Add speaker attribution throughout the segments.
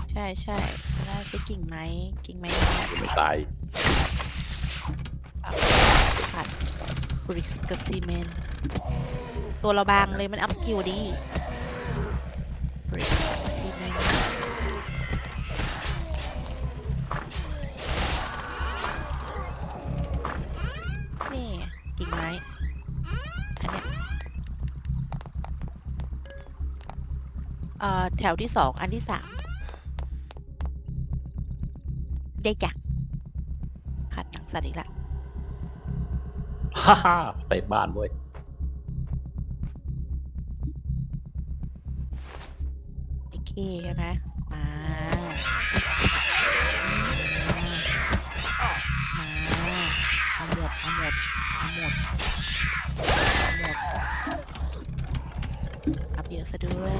Speaker 1: ใช่ใช่น่าใช้กิ่งไม้
Speaker 2: ไม่ตาย
Speaker 1: ผัดบริกกับซีเมนต์ตัวเราบางเลยมันอัพสกิลดีบริกซีเมนต์นี่กิ่งไม้อันเนี้ยแถวที่2อันที่3ได้จักผัดหนังสัตว์อีกละ
Speaker 2: ฮ่าฮ่าเตะบ้านเว้ย
Speaker 1: โอเคใช่ไหมมาเอาหมดอัพเยอะซะด้วย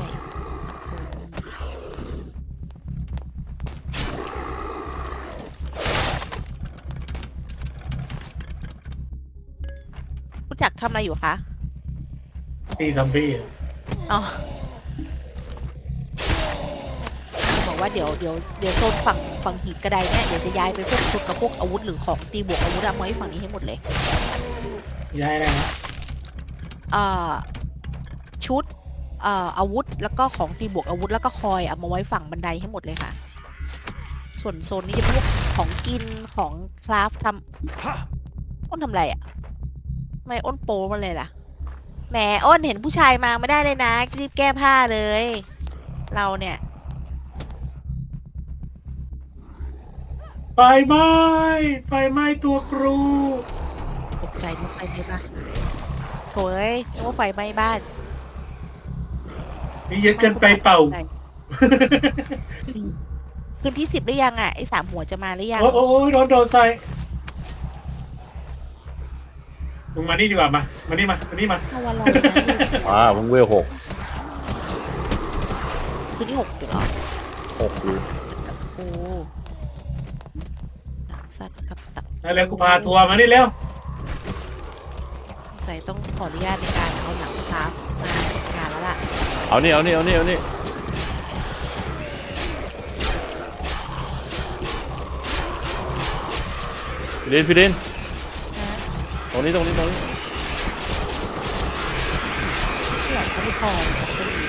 Speaker 1: รู้จักทำอะไรอยู่คะ
Speaker 3: ตีซอมบี้อะ
Speaker 1: อ๋อบอกว่าเดี๋ยวโซนฝั่งหีบกระไดเนี่ยเดี๋ยวจะย้ายไปพวกชุดกับพวกอาวุธหรือของตีบวกอาวุธเอามาไว้ฝั่งนี้ให้หมดเลย
Speaker 3: ย้ายอะไรนะ
Speaker 1: เอ่อชุดอาวุธแล้วก็ของตีบวกอาวุธแล้วก็คอยเอามาไว้ฝั่งบันไดให้หมดเลยค่ะ ส่วนโซนนี้จะพวกของกินของคราฟทำอ้นทำอะไรอ่ะทำไมอ้นโปมาเลยล่ะแหมอ้นเห็นผู้ชายมาไม่ได้เลยนะรีบแก้ผ้าเลย เราเนี่ย
Speaker 3: ไฟไหม้ไฟไหม้ตัวครู
Speaker 1: ตกใจนึกไฟไหม้บ้านโถ่เอ้ยนึกว่าไฟไหม้บ้าน
Speaker 3: นี่เยอะเกินไปเป่า
Speaker 1: คืนที่10หรือยังอ่ะไอ้3 หัวจะมาหรือยัง
Speaker 3: โอ้ยโดนใส่มึงมานี่ดีกว่ามานี่มา
Speaker 1: ถ้าวันรอนะ
Speaker 2: มึงเวล6
Speaker 1: คืนที่6อยู่เหรอ
Speaker 2: 6อยู่
Speaker 1: โอ้หนังสัตว์กับตับ
Speaker 3: แล้วกูพาทัวร์มานี่เร็ว
Speaker 1: ใส่ต้องขออนุญาตในการเอาหนังคราฟมาจัดการแล้วล่ะ
Speaker 2: เอานี่พี่ดิน
Speaker 1: นะ
Speaker 2: ตรงนี้
Speaker 1: ที่หลังเขาไม่พอจะมี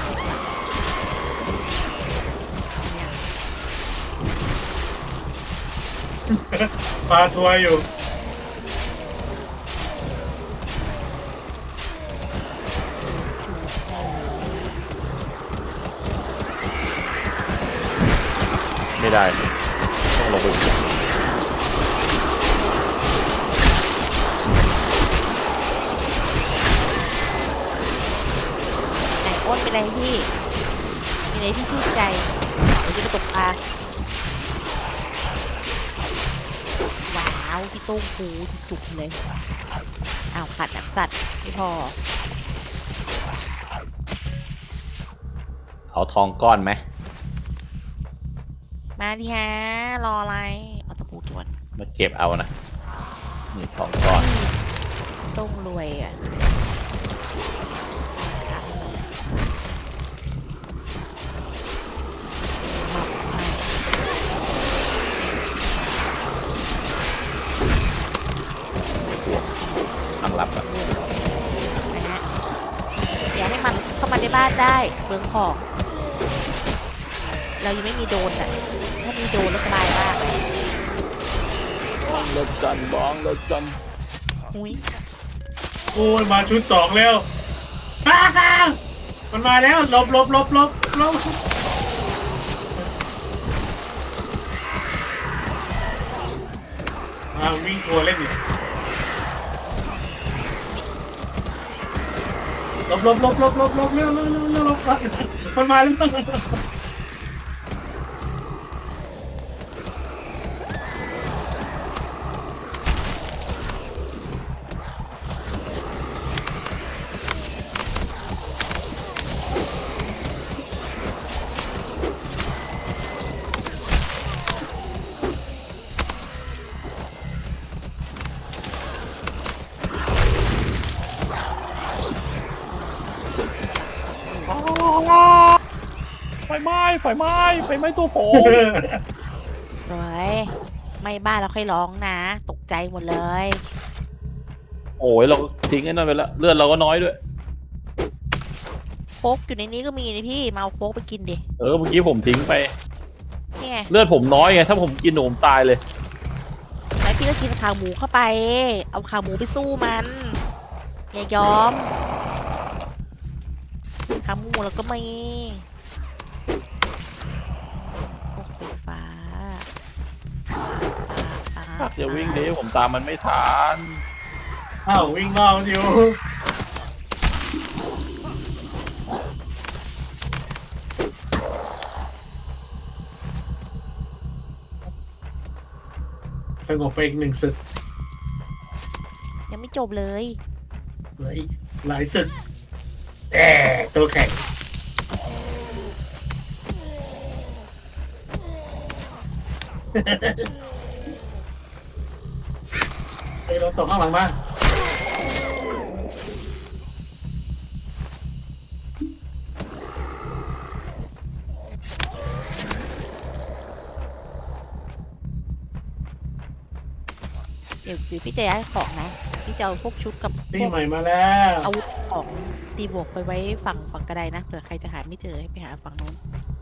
Speaker 1: เนี่ย
Speaker 3: พาทัวร์อยู่
Speaker 2: ไม่ได้ต้องลงไป
Speaker 1: ไหนอ้นเป็นอะไรพี่มีอะไรที่ชื่นใจเดี๋ยวจะไปตกปลาว้าวพี่โต้งฟูจุกๆเลยอ้าวขาดหนังสัตว์ไม่พอ
Speaker 2: เอาทองก้อนไหม
Speaker 1: มาดิฮะรออะไรเอาตะปูตัวนึง
Speaker 2: มาเก็บเอานะนี่ทองก้อน
Speaker 1: ต้องรวยอ่ะ
Speaker 2: ตั้งรับอะ
Speaker 1: นะฮะอย่าให้มันเข้ามาในบ้านได้เบืองของเรายังไม่มีโดรนอ่ะถ้ามีโดรนแล้วสบายมากเลย
Speaker 2: บ้องรถจัน
Speaker 1: อุ้ย
Speaker 3: โอ้ยมาชุด2แล้วมันมาแล้วหลบวิ่งทัวร์เล่นอยู่หลบเร็วมันมาแล้ว
Speaker 2: ไฟไหม้ไฟไหม้ไฟไหม้ตัวผม
Speaker 1: สวยไม่บ้านเราค่อยร้องนะ ตกใจหมดเลย
Speaker 2: โอ้ยเราทิ้งไอ้นั่นไปแล้วเลือดเราก็น้อยด้วย
Speaker 1: โฟกอยู่ในนี้ก็มีนี่พี่มาเอาโฟกไปกินดิ
Speaker 2: เออเมื่อกี้ผมทิ้งไป
Speaker 1: นี่ไง
Speaker 2: เลือดผมน้อยไงถ้าผมกินหนูผมตายเลย
Speaker 1: ไหนพี่ก็กินขาหมูเข้าไป เอาขาหมูไปสู้มันอย่ายอมขาหมูแล้วก็มีพวกไฟฟ้า
Speaker 2: ตักอย่าวิ่งดิผมตามมันไม่ทัน
Speaker 3: อ้าววิ่งรอบมันอยู่สงบไปอีกหนึ่งศึก
Speaker 1: ยังไม่จบเลย
Speaker 3: เหลืออีกหลายศึกแต่ตัวแข็งไปโดนตกข้างหลังบ้าง
Speaker 1: เดี๋ยวพี่จะย้ายของนะ พี่จะเอาพวกชุดกับพ
Speaker 3: นี่
Speaker 1: วก
Speaker 3: ใหม่มาแล้ว
Speaker 1: อาวุธของตีบวกไปไว้ฝั่งกระไดนะเผื่อใครจะหาไม่เจอให้ไปหาฝั่งโน้น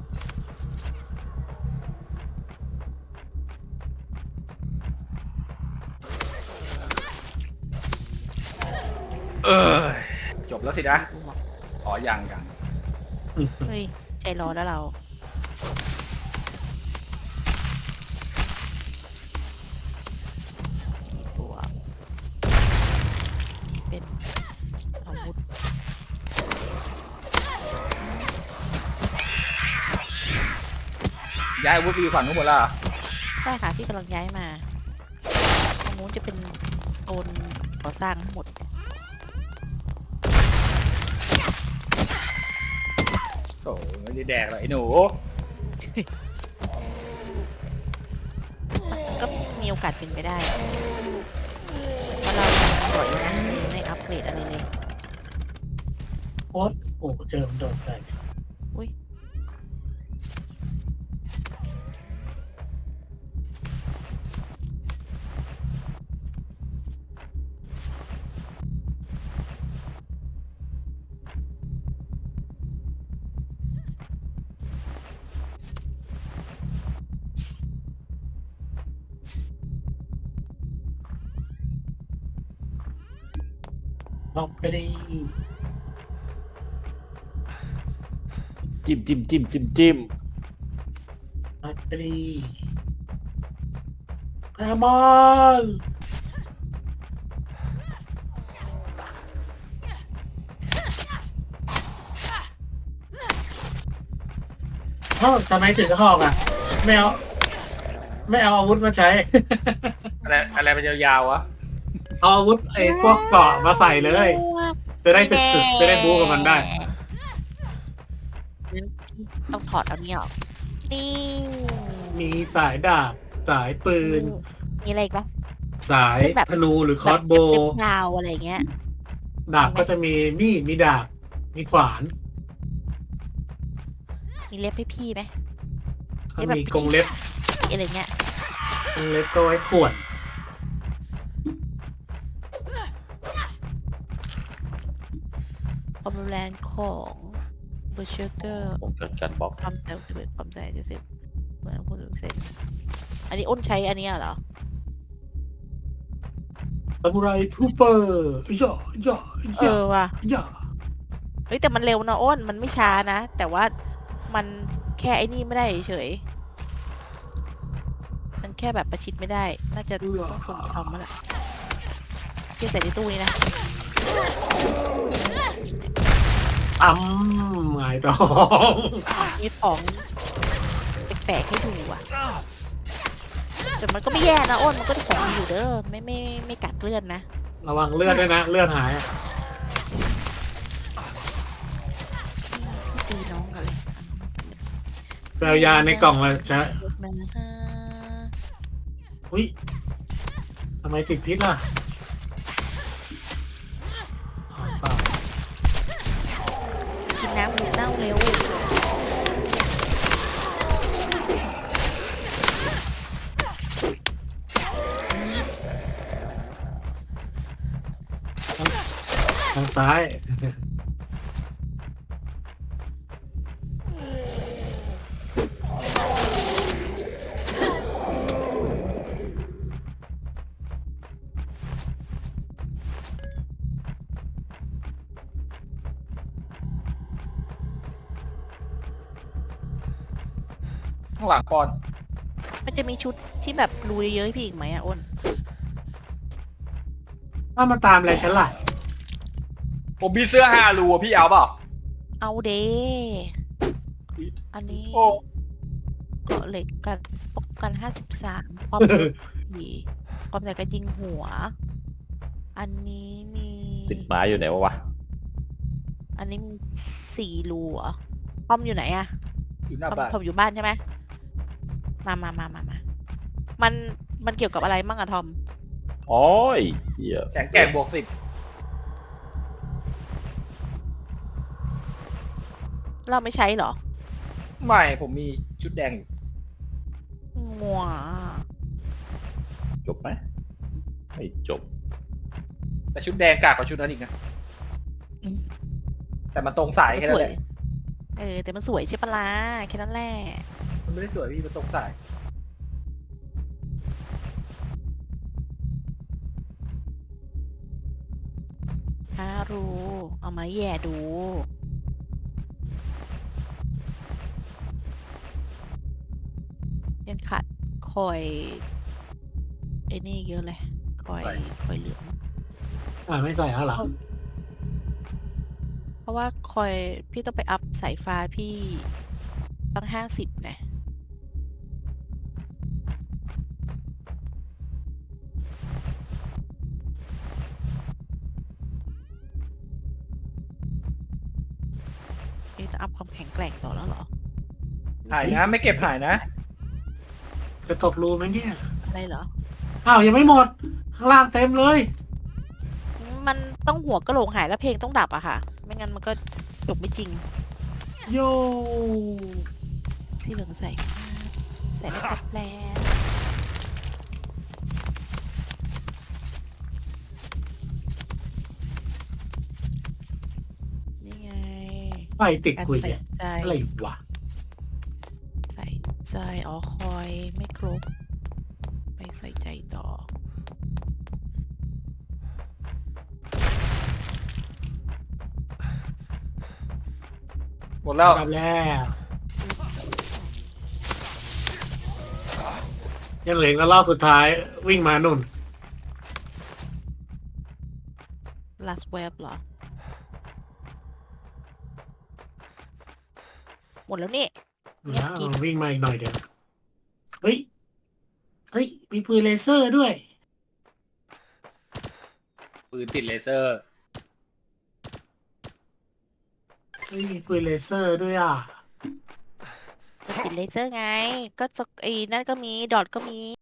Speaker 4: จบแล้วสินะอ๋อยัง
Speaker 1: เฮ้ยใจร้อนแล้วเราบวกเป็นอาวุธ
Speaker 4: ย้ายอาวุธไปอยู่ฝั่งนู้นหมดแล้วเหรอ
Speaker 1: ใช่ค่ะพี่กำลังย้ายมาตรงนู้นจะเป็นโซนก่อสร้างทั้งหมด
Speaker 4: โอ้ไม่ได้แดกหรอกไอ้หนู
Speaker 1: มันก็มีโอกาสเป็นไปได้เพราะเราปล่อยนะไม่อัปเกรดอะไรเลย
Speaker 3: โอ๊ตโอ้เจอมันโดดใส่
Speaker 1: อุ้ย
Speaker 3: ลองไปดิ
Speaker 2: จิ้มจิ้มจิ้มจิ้มจิ้ม
Speaker 3: ลองไปดิแอมอนเอ้าทำไมถึงหอกอ่ะ ไม่เอาอาวุธมาใช้
Speaker 4: อะไรมันยาวๆวะ
Speaker 3: เอาอาวุธไอ้พวกเกราะมาใส่เลย จะได้ฝึกจะได้บู๊กับมันได้
Speaker 1: ต้องถอดเอานี้ออกนี่
Speaker 3: มีสายดาบ สายปืน
Speaker 1: มีอะไรอีกปะ
Speaker 3: สาย
Speaker 1: ซึ่งแบบ
Speaker 3: ธนูหรือคอร์สโบ
Speaker 1: เล็
Speaker 3: ว์
Speaker 1: บยาวอะไรเงี้ย
Speaker 3: ดาบก็จะมีมีด มีดาบ มีขวาน
Speaker 1: มีเล็บให้พี่ไหม
Speaker 3: ก็มีกรงเล็บ
Speaker 1: อะไรเงี้ย
Speaker 3: กรงเล็บก็ไว้ข่วน
Speaker 1: ความรุนแรงของเบอร์เชอร์เกอร์
Speaker 2: ผมเกิดการบล็อก
Speaker 1: ความแรง11ความแรง70เหมือนพูดถึงเซนอันนี้อ้นใช้อันเนี้ยเหรอ
Speaker 3: ซามูไรทูเปอร์ย่อย่
Speaker 1: เออว่ะ
Speaker 3: ย่อ
Speaker 1: เฮ้ยแต่มันเร็วนะอ้นมันไม่ช้านะ แต่ว่ามันแค่ไอ้นี่ไม่ได้เฉยมันแค่แบบประชิดไม่ได้ น่าจะต้องส่งไปทำมาละที่ใส่ในตู้นี้นะ
Speaker 3: หงายท้อง
Speaker 1: มีของแปลกๆให้ดูอ่ะแต่มันก็ไม่แย่นะอ้นมันก็ของดีอยู่เด้อไม่กัดเลือดนะ
Speaker 3: ระวังเลือดด้วยนะ เลือดหายอะ
Speaker 1: ตีน้องอะไร
Speaker 3: แปลยาในกล่องเลยใช่อุ้ยทำไมติดพิษล่ะอ๋อเปล่า
Speaker 1: กินน้ำหมูเน่าเร็ว
Speaker 3: ซ้าย
Speaker 4: ข้างหลังปอน
Speaker 1: มันจะมีชุดที่แบบรูเยอะๆให้พี่อีกไหมอะอ้น
Speaker 3: ถ้ามาตามอะไรฉันล่ะ
Speaker 4: ผมมีเสื้อ5 รูอะพี่เอาเปล่า
Speaker 1: เอาเดอันนี้
Speaker 4: โอ้
Speaker 1: เกาะเหล็กกันป้องกัน53ป้อมผีป้อมใส่กระยิงหัว อันนี้มี
Speaker 2: ติดไม้อยู่ไหนวะ
Speaker 1: อันนี้มี4รูเหรอป้อมอยู่ไหนอะ
Speaker 4: อยู่หน้า
Speaker 1: ป้อม
Speaker 4: บ้าน
Speaker 1: ทอมอยู่บ้านใช่ไหมมันเกี่ยวกับอะไรมั่งอะทอม
Speaker 2: โอ้ยเหี้ย
Speaker 4: แข็งแกร่งบวก
Speaker 1: เราไม่ใช้เหรอ
Speaker 4: 10ไม่ผมมีชุดแดงอยู่
Speaker 1: งัว
Speaker 2: จบไหมไม่จบ
Speaker 4: แต่ชุดแดงกากกว่าชุดนั้นอีกนะแต่มันตรงสาย
Speaker 1: มัน
Speaker 4: แค่
Speaker 1: ส
Speaker 4: นั้
Speaker 1: วน ย
Speaker 4: แหละ
Speaker 1: แต่มันสวยใช่ปะล่ะแค่นั้นแหละ
Speaker 4: มันไม่ได้สวยพี่มันตรงสาย
Speaker 1: 5 รูเอามาแย่ดู ยังขาดคอยไอ้นี่เยอะเลย คอยเหลือง
Speaker 3: ไม่ใส่แล้วเหรอ
Speaker 1: เพราะว่าคอยพี่ต้องไปอัพสายฟ้าพี่ตั้ง50นะพี่จะอัพความแข็งแกร่งต่อแล้วเหรอ
Speaker 4: หายนะไม่เก็บหายนะ
Speaker 3: จะตกรูไหมเนี่ย
Speaker 1: อะไรเหรอ
Speaker 3: อ้าวยังไม่หมด ข้างล่างเต็มเลย
Speaker 1: มันต้องหัวกะโหลกหายแล้วเพลงต้องดับอะค่ะ ไม่งั้นมันก็จบไม่จริง
Speaker 3: โย
Speaker 1: สีเหลืองใส่ไม่ครบแล้วนี่ไง
Speaker 3: ไฟติด
Speaker 1: การ
Speaker 3: คุย
Speaker 1: ใส่
Speaker 3: เนี่ย
Speaker 1: ใจ
Speaker 3: อะไรวะ
Speaker 1: ใส่ใจอ๋อคอยไม่ครบ ไปใส่ใจต่อ
Speaker 4: หมดแล้ว
Speaker 3: กลับแล้วยังเหลือแล้วรอบสุดท้ายวิ่งมานุ่น
Speaker 1: last web เหรอ หมดแล้วนี่ เงียบ
Speaker 3: นะ
Speaker 1: กิ๊บ
Speaker 3: วิ่งมาอีกหน่อยเดียวเฮ้ย เฮ้ย มีปืนเลเซอร์ด้วย
Speaker 4: ปืนติดเลเซอร์
Speaker 3: เฮ้ย มีปืนเลเซอร์ด้วยอ่ะ
Speaker 1: ติดเลเซอร์ไง ก็จะไอ้นั่นก็มี ดอทก็มี